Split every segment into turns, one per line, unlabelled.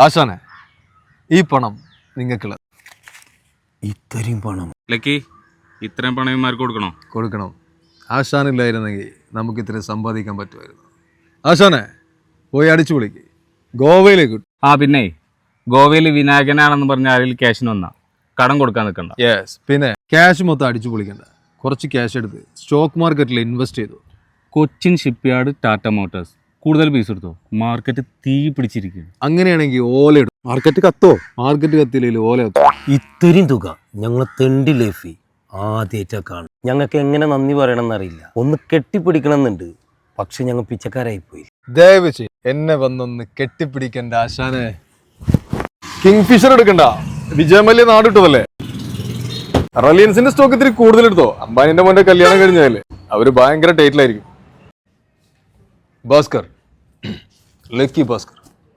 ആശാനെ, ഈ പണം നിങ്ങൾക്കുള്ള.
ഇത്രയും പണം
ലക്കി, ഇത്രയും പണം ഇവന്മാർക്ക്
കൊടുക്കണം. ആശാനില്ലായിരുന്നെങ്കിൽ നമുക്ക് ഇത്രയും സമ്പാദിക്കാൻ പറ്റുമായിരുന്നു. ആശാനെ, പോയി അടിച്ചു പൊളിക്ക്. ഗോവയിലേക്ക്.
പിന്നെ ഗോവയിൽ വിനായകനാണെന്ന് പറഞ്ഞ ആരെങ്കിലും ക്യാഷിന് വന്നാ കടം കൊടുക്കാൻ നിൽക്കണ്ട.
യെസ്. പിന്നെ ക്യാഷ് മൊത്തം അടിച്ചു പൊളിക്കണ്ട. കുറച്ച് ക്യാഷ് എടുത്ത് സ്റ്റോക്ക് മാർക്കറ്റിൽ ഇൻവെസ്റ്റ് ചെയ്തു.
കൊച്ചിൻ ഷിപ്പ്യാർഡ്, ടാറ്റ മോട്ടോഴ്സ് കൂടുതൽ പൈസ എടുത്തോ? മാർക്കറ്റ് തീ പിടിച്ചിരിക്കുന്നു.
അങ്ങനെയാണെങ്കിൽ ഓല ഇടും. മാർക്കറ്റ് കത്തില്ലെങ്കിൽ ഓല കത്തും.
ഇത്രയും തുക ഞങ്ങൾ തെണ്ടി ലൈഫി ആദ്യമായിട്ടാ കാണും. ഞങ്ങൾക്ക് എങ്ങനെ നന്ദി പറയണമെന്നറിയില്ല. ഒന്ന് കെട്ടിപ്പിടിക്കണമെന്നുണ്ട്, പക്ഷെ ഞങ്ങൾ പിച്ചക്കാരായിപ്പോയി.
ദയവച്ച് എന്നെ വന്നൊന്ന് കെട്ടിപ്പിടിക്കണ്ട ആശാനെ. കിങ് ഫിഷർ എടുക്കണ്ട, വിജയമല്യ നാടിട്ടതല്ലേ. റിലയൻസിന്റെ സ്റ്റോക്ക് ഇത്തിരി കൂടുതൽ എടുത്തോ. അംബാനിന്റെ മോന്റെ കല്യാണം കഴിഞ്ഞാലേ അവര് ഭയങ്കര ടൈറ്റിലായിരിക്കും. ഭാസ്കർ, ലക്കി ഭാസ്കർ.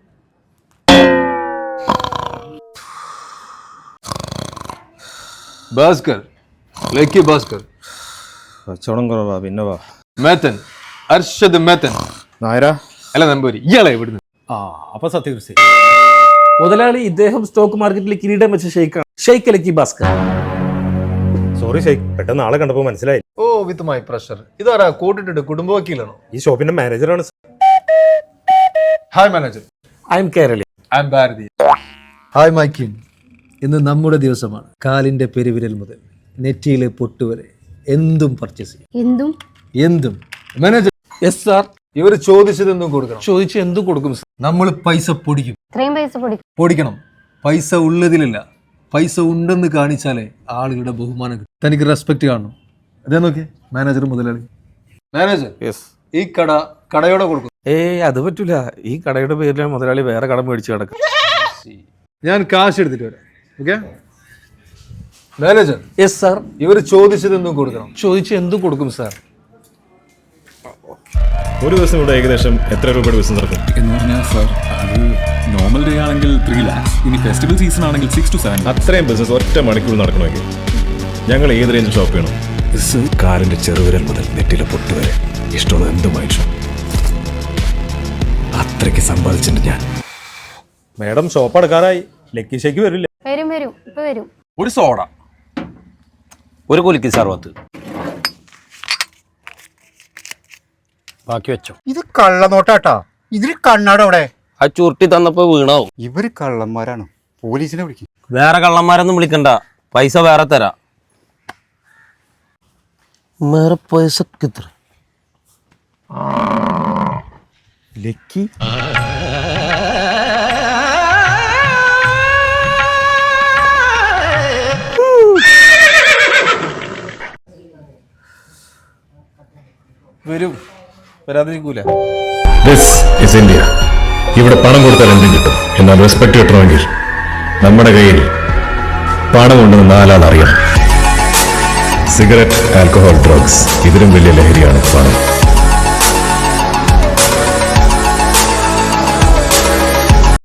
ഭാസ്കർ, ലക്കി ഭാസ്കർ.
കച്ചവടം കുറവാ, പിന്നെ വാ.
മേത്തൻ, അർഷദ് മേത്തൻ.
നായരാ
അല്ല നമ്പൂരി, ഇയാളെ ഇവിടുന്ന്.
അപ്പൊ സത്യകൃഷി
മുതലാളി, ഇദ്ദേഹം സ്റ്റോക്ക് മാർക്കറ്റിൽ കിരീടം വെച്ച ഷെയ്ഖാണ്. ഷെയ്ഖ് ലക്കി ഭാസ്കർ.
സോറി ഷെയ്ഖ്, പെട്ടെന്ന് ആളെ കണ്ടപ്പോ മനസ്സിലായി.
ഓ, വിത്ത് മൈ പ്രഷർ. ഇതാരാ കൂട്ടിട്ടുണ്ട്? കുടുംബ വക്കീലാണോ?
ഈ ഷോപ്പിന്റെ മാനേജറാണ്.
Hi manager.
I am Kerali.
I am Bharathi. Hi my king. ഇന്ന് നമ്മുടെ ദിവസമാണ്. കാലിന്റെ പെരുവിരൽ മുതൽ നെറ്റിയിലെ പൊട്ടുവരെ എന്തും പർച്ചേസ് ചെയ്യും. എന്തും. മാനേജർ.
Yes sir.
ഇവർ ചോദിച്ചത് എന്തും കൊടുക്കണം.
ചോദിച്ച് എന്തും കൊടുക്കും സാർ.
നമ്മൾ പൈസ പൊടിക്കും. പൊടിക്കണം. പൈസ ഉള്ളതിലില്ല, പൈസ ഉണ്ടെന്ന് കാണിച്ചാലേ ആളുകളുടെ ബഹുമാനം കിട്ടും. തനിക്ക് റെസ്പെക്ട് കാണണം. അതേ നോക്കിയേ മാനേജർ, മുതലാളി. മാനേജർ, ഈ കടയോടെ കൊടുക്കും.
അത് പറ്റൂല. ഈ കടയുടെ പേരിലാണ് മുതലാളി വേറെ കട മേടിച്ച് കിടക്കും.
ഞാൻ കാശ് എടുത്തിട്ട് വരാം. Okay manager.
Yes sir.
ഇവർ ചോദിച്ചത് എന്തും കൊടുക്കണം.
ചോദിച്ച് എന്തും കൊടുക്കും സാർ.
ഒരു ദിവസം ഇവിടെ ഏകദേശം എത്ര രൂപയുടെ ബിസിനസ് നടക്കും
എന്ന് പറഞ്ഞാൽ സാർ, അത് നോർമൽ ഡേ ആണെങ്കിൽ 3 lakhs, ഇനി ഫെസ്റ്റിവൽ സീസൺ ആണെങ്കിൽ 6 to 7 lakhs.
അത്രയും ബിസിനസ് ഒറ്റ മണിക്കൂർ നടക്കണമെങ്കിൽ ഞങ്ങൾ ഏത് റേഞ്ചിൽ ഷോപ്പ് ചെയ്യണം?
കാലിന്റെ ചെറുവിരൽ മുതൽ നെറ്റിലെ പൊട്ടുവരെ ഇഷ്ടമുള്ള എന്തുമായി ഷോപ്പ്. അത്രയ്ക്ക് സമ്പാദിച്ചിട്ടുണ്ട് ഞാൻ.
മാഡം ഷോപ്പ് അടക്കാറായി. ലക്കി ഷേക്ക് വരില്ല.
വരും.
ഒരു സോഡ,
ഒരു കുലുക്കി സർവത്ത് ബാക്കി വെച്ചോ.
ഇത് കള്ളനോട്ടാട്ടാ. ഇതിൽ കണ്ണാടവിടെ.
ആ ചുരുട്ടി തന്നപ്പോ വീണാവും.
ഇവര് കള്ളന്മാരാണ്. പോലീസിനെ വിളിക്കും.
വേറെ കള്ളന്മാരൊന്നും വിളിക്കണ്ട, പൈസ വേറെ തരാ. വേറെ പൈസ എത്ര?
ലക്കി
വരും, വരാതിരിക്കൂല.
This is India. ഇവിടെ പണം കൊടുത്താൽ എന്തും കിട്ടും. എന്നാൽ റെസ്പെക്ട് കിട്ടണമെങ്കിൽ നമ്മുടെ കയ്യിൽ പണം ഉണ്ടെന്ന് 4 ആൾ അറിയണം. സിഗരറ്റ്, ആൽക്കഹോൾ, ഡ്രഗ്സ്, ഇതിലും വലിയ ലഹരിയാണ് പണം.